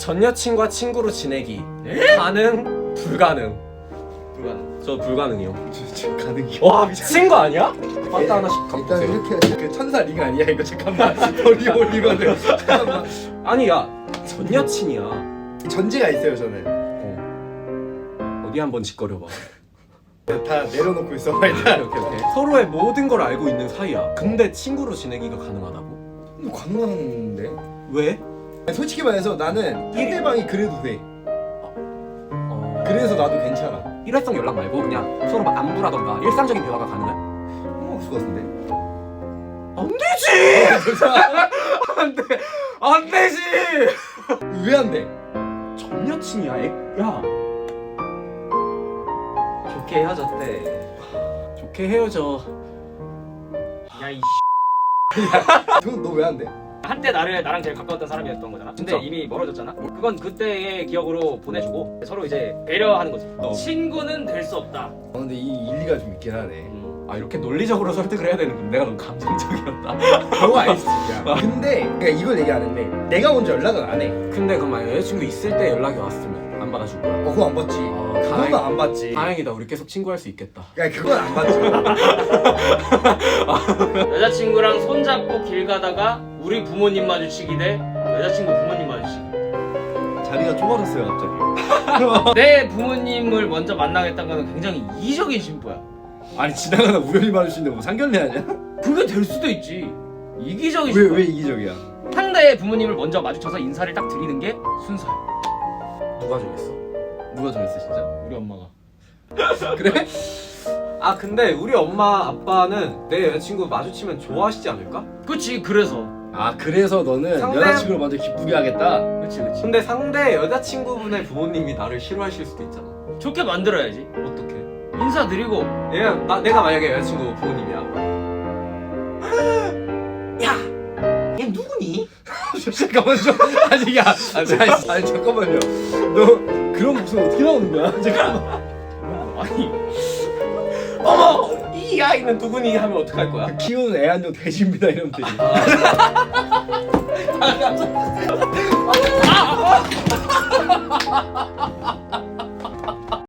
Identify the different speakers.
Speaker 1: 전 여친과 친구로 지내기. 가능? 불가능.
Speaker 2: 불가능.
Speaker 1: 저 불가능이요.
Speaker 3: 지금 가능이야.
Speaker 1: 와 미친 거 아니야? 맞다 하나씩 갖고
Speaker 3: 일단
Speaker 1: 오세요.
Speaker 3: 이렇게 그 천사 링 아니야 이거 잠깐만 머리 올리면은 잠깐만
Speaker 1: 아니 야전 여친이야.
Speaker 3: 전제가 있어요 저는.
Speaker 1: 어디 한번 짓거려봐.
Speaker 3: 다 내려놓고 있어 일단.
Speaker 1: 오케이. 서로의 모든 걸 알고 있는 사이야. 근데 친구로 지내기가 가능하다고?
Speaker 3: 가능한데?
Speaker 1: 왜?
Speaker 3: 솔직히 말해서 나는 상대방이 그래도 돼. 그래서 나도 괜찮아.
Speaker 1: 일회성 연락 말고 그냥 서로 막 안부라던가 일상적인 대화가 가능해?
Speaker 3: 없을 것 같은데?
Speaker 1: 안 되지! 안 돼! 안 되지!
Speaker 3: 왜 안 돼?
Speaker 1: 전 여친이야, 야.
Speaker 2: 좋게 헤어졌대.
Speaker 1: 좋게 헤어져.
Speaker 2: 야이
Speaker 3: 그건 너 왜 안 돼?
Speaker 2: 한때 나랑 제일 가까웠던 사람이었던 거잖아. 근데
Speaker 1: 진짜?
Speaker 2: 이미 멀어졌잖아. 그건 그때의 기억으로 보내주고 서로 이제 배려하는 거지. 친구는 될 수 없다.
Speaker 3: 근데 이 일리가 좀 있긴 하네.
Speaker 1: 아 이렇게 논리적으로 설득을 해야 되는 건 내가 너무 감정적이었다.
Speaker 3: 그거 알수있야 근데 그러니까 이걸 얘기 안 했네. 내가 먼저 연락은 안 해.
Speaker 1: 근데 그럼 만약 여자친구 있을 때 연락이 왔으면 안 받아줄 거야?
Speaker 3: 그거 안 받지. 그건 안 받지.
Speaker 1: 다행이다. 우리 계속 친구할 수 있겠다.
Speaker 3: 그러니까 그건 안 받지.
Speaker 2: 여자친구랑 손잡고 길 가다가 우리 부모님 마주치기 대 여자친구 부모님 마주치기.
Speaker 3: 자리가 좁아졌어요 갑자기.
Speaker 2: 내 부모님을 먼저 만나겠다는 거는 굉장히 이기적인 심보야.
Speaker 3: 아니 지나가다 우연히 마주치는데 뭐 상견례 아니야?
Speaker 2: 그게 될 수도 있지. 이기적인
Speaker 3: 왜
Speaker 2: 심보야.
Speaker 3: 왜 이기적이야?
Speaker 2: 상대의 부모님을 먼저 마주쳐서 인사를 딱 드리는 게 순서야.
Speaker 1: 누가 정했어?
Speaker 3: 누가 정했어 진짜?
Speaker 2: 우리 엄마가.
Speaker 1: 그래? 아 근데 우리 엄마 아빠는 내 여자친구 마주치면 좋아하시지 않을까?
Speaker 2: 그치. 그래서.
Speaker 3: 아 그래서 너는
Speaker 1: 상대-
Speaker 3: 여자친구를 먼저 기쁘게 하겠다?
Speaker 2: 그치.
Speaker 1: 근데 상대 여자친구분의 부모님이 나를 싫어하실 수도 있잖아.
Speaker 2: 좋게 만들어야지.
Speaker 1: 어떻게?
Speaker 2: 인사드리고.
Speaker 1: 내가 만약에 여자친구 부모님이야. 야, 얘 누구니?
Speaker 3: 잠깐만 좀 아니 야 아니 잠깐만요. 너 그런 목소리 어떻게 나오는 거야? 잠깐만.
Speaker 2: 아니.
Speaker 1: 어머, 이 아이는 누구니 하면 어떡할 거야?
Speaker 3: 키우는 애 한 명 돼지입니다 이러면 되지.